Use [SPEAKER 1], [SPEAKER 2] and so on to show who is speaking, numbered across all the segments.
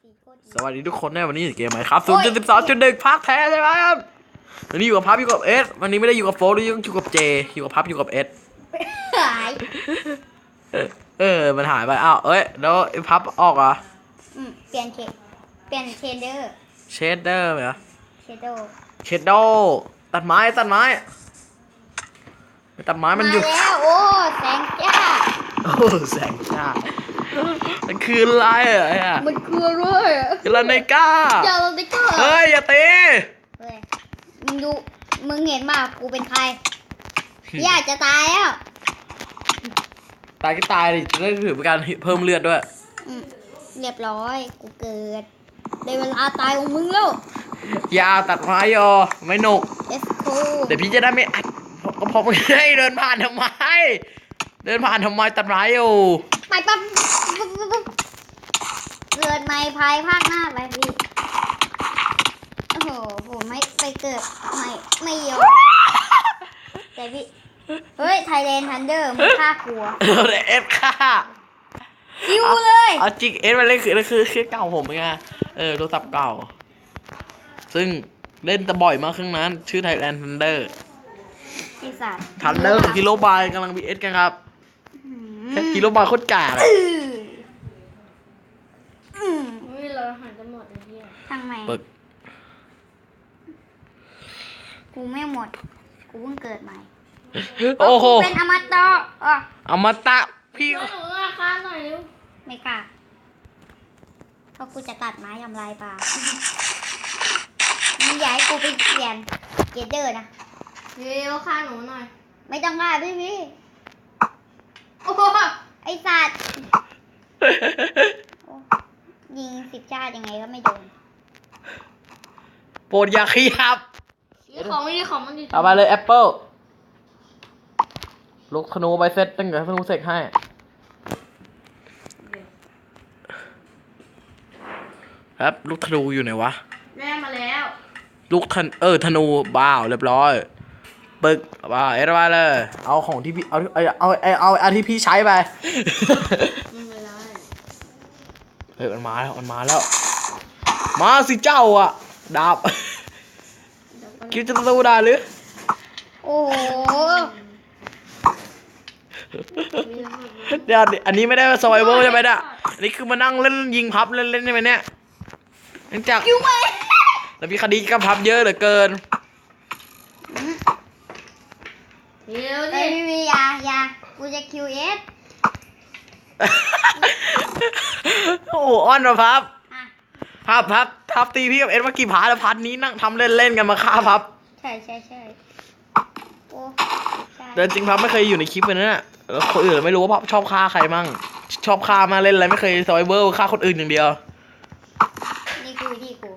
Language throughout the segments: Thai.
[SPEAKER 1] สวัสดีทุกคนในวันนี้เกมไหมครับ0.12.1 ภาคแท้ใช่ไหมครับวันนี้อยู่กับพับอยู่กับเอสวันนี้ไม่ได้อยู่กับโฟล์อยู่กับเจอยู่กับพับอยู่กับเอส
[SPEAKER 2] หาย
[SPEAKER 1] มันหายไปอ้าวแล้วไอ้พับออกเหรอ
[SPEAKER 2] เปลี่ยนเชดเดอร์
[SPEAKER 1] เชดเดอร์เหรอ
[SPEAKER 2] เชดโด
[SPEAKER 1] ตัดไม้มันอยู่
[SPEAKER 2] แล้วโอ้แสงจ้า
[SPEAKER 1] แสงจ้ามันคืออะไรอ่ะ
[SPEAKER 2] มันคืออะไร
[SPEAKER 1] ลาเนก้า
[SPEAKER 2] อย่าลาเนก้า
[SPEAKER 1] เฮ้ยอย่าตี
[SPEAKER 2] เฮ้ยมึงเห็นป่ะกูเป็นใครอยากจะตายแล้ว
[SPEAKER 1] ตายก็ตายดิจะได้ถือเป็นการเพิ่มเลือดด้วย
[SPEAKER 2] เรียบร้อยกูเกิดได้เวลาตายของมึงแล้ว
[SPEAKER 1] อย่าตัดไม้ไม่หนุกเดี๋ยวพี่จะได้ไม่อัดก็พอมึงให้เดินผ่านทำไมตัดไม้อยู่
[SPEAKER 2] ไปปั๊บเกิดใหม่ภายภาคหน้าไปพี่โอ้โหผมไม่ไปเกิดใหม่ไม่ยอมแต่พี่เฮ้ยไทยแลนด์ทันเดอร์มึงฆ่ากลัว
[SPEAKER 1] เอฟฆ่า
[SPEAKER 2] คิวเลย
[SPEAKER 1] เอาจริงเอฟมันเล่นคือเก่าผมไงโทรศัพท์เก่าซึ่งเล่นแต่บ่อยมากครั้งนั้นชื่อไทยแลนด์ทันเดอร์ทันเดอร์ของฮิโรบายกำลังบีเอสกันครับฮิโรบายโคตรกาด
[SPEAKER 2] เราหันจะหมดเลยพี่ทางไหนกูไม่หมดกูเพิ่งเกิดใหม่
[SPEAKER 1] โอ้โห
[SPEAKER 2] เป็นอมตะ
[SPEAKER 1] อมตะพี่
[SPEAKER 2] หนูราคาหน่อยลูกไม่กล้าเพราะกูจะตัดไม้ทำลายป่ามึงอยากให้กูไปเปลี่ยนเกเดอร์นะเร็วฆ่าหนูหน่อยไม่ต้องฆ่าพี่โอ้ไอสัตว์ยิง10 ชาติยังไงก็ไม่โดน
[SPEAKER 1] โปรดอย่าขยับ
[SPEAKER 2] ของไม่ดีของมันดี
[SPEAKER 1] เอาไปเลยแอปเปิลลูกธนูไปเซตตั้งแต่ธนูเสกให้ครับลูกธนูอยู่ไหนวะ
[SPEAKER 2] แม่มาแล้ว
[SPEAKER 1] ลูกธนูบ้าเรียบร้อยปึกบ้ามาเลยเอาของที่พี่เอาที่พี่ใช้ไปมันมาแล้วมาสิเจ้าอ่ะดาบคิดจะสู้ได้หรือ
[SPEAKER 2] โอ้โห
[SPEAKER 1] เดี๋ยวอันนี้ไม่ได้สไวเวอร์ใช่ไหมเนี่ยอันนี้คือมานั่งเล่นยิงพับเล่นใช่ไหมเนี่ยเนื่องจากแล้วมีคดีกับพับเยอะเหลือเกิน
[SPEAKER 2] เดี๋ยวดิไม่มียากูจะ QS
[SPEAKER 1] โอ้อ้อนมาพับตีพี่กับเอ็ดว่ากี่ผาแล้วพัดนี้นั่งทำเล่นกันมาฆ่าพับ
[SPEAKER 2] ใช่โอ้
[SPEAKER 1] เดินจริงพับไม่เคยอยู่ในคลิปเลยนะแล้วคนอื่นไม่รู้ว่าพับชอบฆ่าใครมั่งชอบฆ่ามาเล่นอะไรไม่เคยซอยเบอร์ฆ่าคนอื่นอย่างเดียว
[SPEAKER 2] นี่คือวิธีกู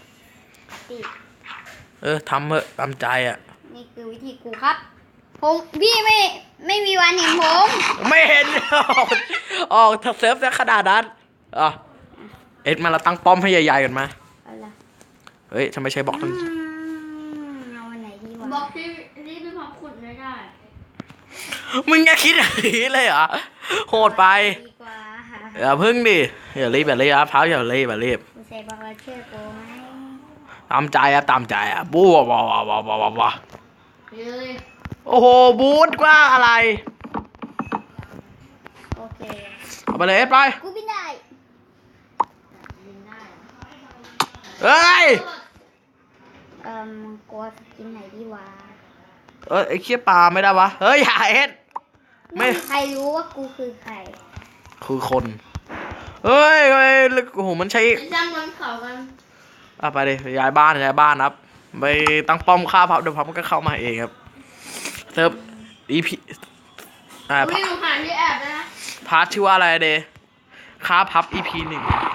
[SPEAKER 1] ทำเถอะตามใจอ่ะ
[SPEAKER 2] นี่คือวิธีกูครับผมพี่ไม่มีวันเห็นผม
[SPEAKER 1] ไม่เห็นออกเซิร์ฟจะขนาดนั้นเอ็ดมาเราตั้งป้อมให้ใหญ่ๆกันมาเฮ้ยทำไมใช้บล็อก
[SPEAKER 2] เอาอันไหนดีวะบล็อกที่พี่พอขุดไม่ได้
[SPEAKER 1] มึงอย่าคิดอย่างนี้เลยเหรอโหดไปอย่าพึ่งดิอย่ารีบพักอย่ารีบ
[SPEAKER 2] ใส่บล็อกเชื่อกูไหม
[SPEAKER 1] ตามใจบู๊โอ้โหบู๊ดกว่าอะไร
[SPEAKER 2] โอเค
[SPEAKER 1] เอาไปเลยเอ็ดไป
[SPEAKER 2] กูบินได้
[SPEAKER 1] เฮ้ย
[SPEAKER 2] กลัวกินไหนดีวะ
[SPEAKER 1] ไอ้เขี้ยปลาไม่ได้วะเฮ้ยอย่าเอ็ด
[SPEAKER 2] ไม่ใครรู้ว่ากูคือใคร
[SPEAKER 1] คือคนเฮ้ยโอ้โหมันใช้
[SPEAKER 2] จ้างมันเขากัน
[SPEAKER 1] ไปเลยย้ายบ้านครับไปตั้งป้อมฆ่าพับเดี๋ยวพับมันก็เข้ามาเองครับเซิร์ฟEP
[SPEAKER 2] วิ่งผ่านที่แอบนะ
[SPEAKER 1] พาร์ทชื่อว่าอะไรเดย์ฆ่าพับ EP 1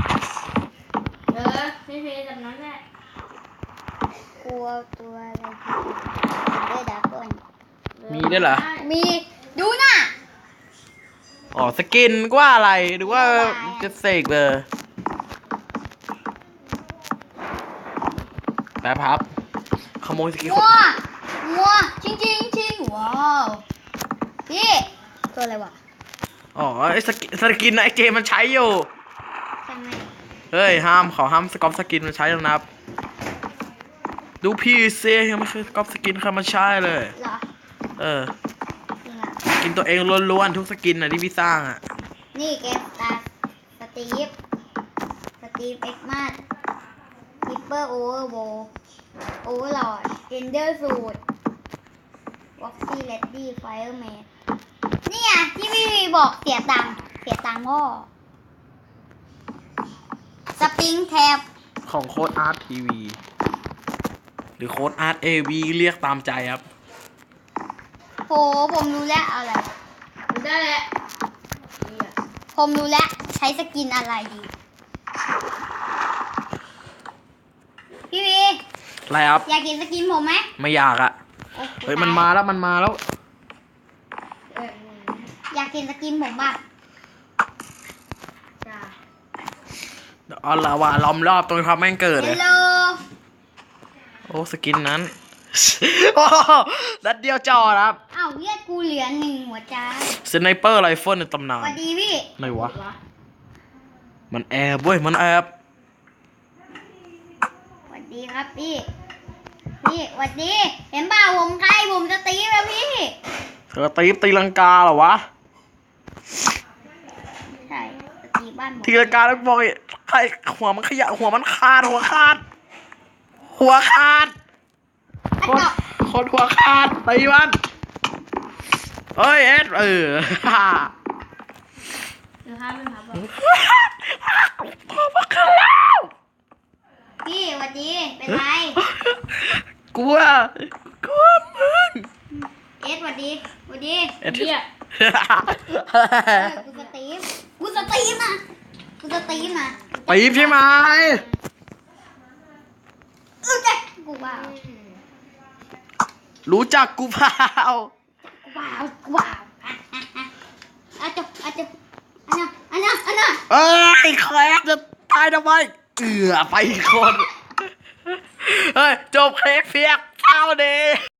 [SPEAKER 2] พี่จำนั้นแหละกลัวตัวอะไรด้วยดาก้อน
[SPEAKER 1] มีด้วยเหรอ
[SPEAKER 2] มีดูน่ะ
[SPEAKER 1] สกินว่าอะไรหรือว่าจะเสกเลยแป๊บครับขโมยสกิน
[SPEAKER 2] งัวจริงว้าวพี่ตัวอะไรวะ
[SPEAKER 1] ไอ้สกินนะไอ้เจมันใช้อยู่
[SPEAKER 2] ใช่ไหม
[SPEAKER 1] เฮ้ยเขาห้ามสกอปสกินมาใช้แล้วนะครับดูพี่เซ่ยังไม่เคยสกอปสกินใครมาใช้เลย
[SPEAKER 2] เหรอ
[SPEAKER 1] เออ
[SPEAKER 2] จริงอ่ะ
[SPEAKER 1] กินตัวเองล้วนๆทุกสกินน่ะที่พี่สร้างอ่ะ
[SPEAKER 2] นี่เกมตาสตีฟเอ็กมาสคิปเปอร์โอเวอร์โบโอเวอร์ลอดเอนเดอร์สูดวอกซี่เลดดี้ไฟเออร์แมนนี่อ่ะที่พี่บอกเสียตังค์พ่อสปริงแท็บ
[SPEAKER 1] ของโค้ดอาร์ตทีวีหรือโค้ดอาร์ตเอวีเรียกตามใจครับ
[SPEAKER 2] โหผมรู้แล้วเอาอะไร
[SPEAKER 3] ได้แล้ว
[SPEAKER 2] ผมรู้แล้วใช้สกินอะไรดี พี่วี
[SPEAKER 1] อะไรครับ
[SPEAKER 2] อยากกินสกินผมไหม
[SPEAKER 1] ไม่อยากอ่ะ
[SPEAKER 2] โอ้
[SPEAKER 1] เฮ้ยมันมาแล้ว
[SPEAKER 2] อยากกินสกินผมป่ะ
[SPEAKER 3] จ้า
[SPEAKER 1] เอาละว่าล้อมรอบตรงความแม่งเกิด
[SPEAKER 2] เฮ
[SPEAKER 1] เลย
[SPEAKER 2] ลโล
[SPEAKER 1] โอ้สกินนั้น โอ้นัดเดียวจอครับ
[SPEAKER 2] อ้าวเลือดกูเหลือ1 หัวใจ
[SPEAKER 1] สไนเปอร์ไรเฟิลในตำนา
[SPEAKER 2] ส
[SPEAKER 1] น
[SPEAKER 2] วัสดีพี่
[SPEAKER 1] ไหนวะ มันแอบเว้ย มันแอบ
[SPEAKER 2] สวัสดีครับพี่สวัสดี เห็นเปล่าผมใครผมจะตีแล้วพี่
[SPEAKER 1] เธอตีลังกาเหรอวะ
[SPEAKER 2] ใช่จะตีบ้านผม
[SPEAKER 1] ตีลังกาแล้วบอกใครหัวมันขยะหัวมันขาด หัวขาด หัวขาด
[SPEAKER 2] ไอ้
[SPEAKER 1] คน
[SPEAKER 2] เกาะ
[SPEAKER 1] คนหัวขาดตีมันเฮ้ยเอ็ด
[SPEAKER 3] เดี๋ยวห้ามเป็นพับบอก
[SPEAKER 1] หัวมันขาดแล้ว
[SPEAKER 2] พี่สวัสดีเป็นไร
[SPEAKER 1] กลัวมึง
[SPEAKER 2] เอสสวัสดี
[SPEAKER 1] เอ็ด
[SPEAKER 3] เหี้ย
[SPEAKER 2] กูสตีฟนะกูสตีฟนะ
[SPEAKER 1] ปีบใช่ไหม
[SPEAKER 2] จ๊ะกูว้าว
[SPEAKER 1] รู้จักกูเปล่า
[SPEAKER 2] อาจจะอันน่ะ
[SPEAKER 1] เอ้ยแคลกจะตายทำไมไปอีกคน เฮ้ย จบเคกเพียกเท่านี้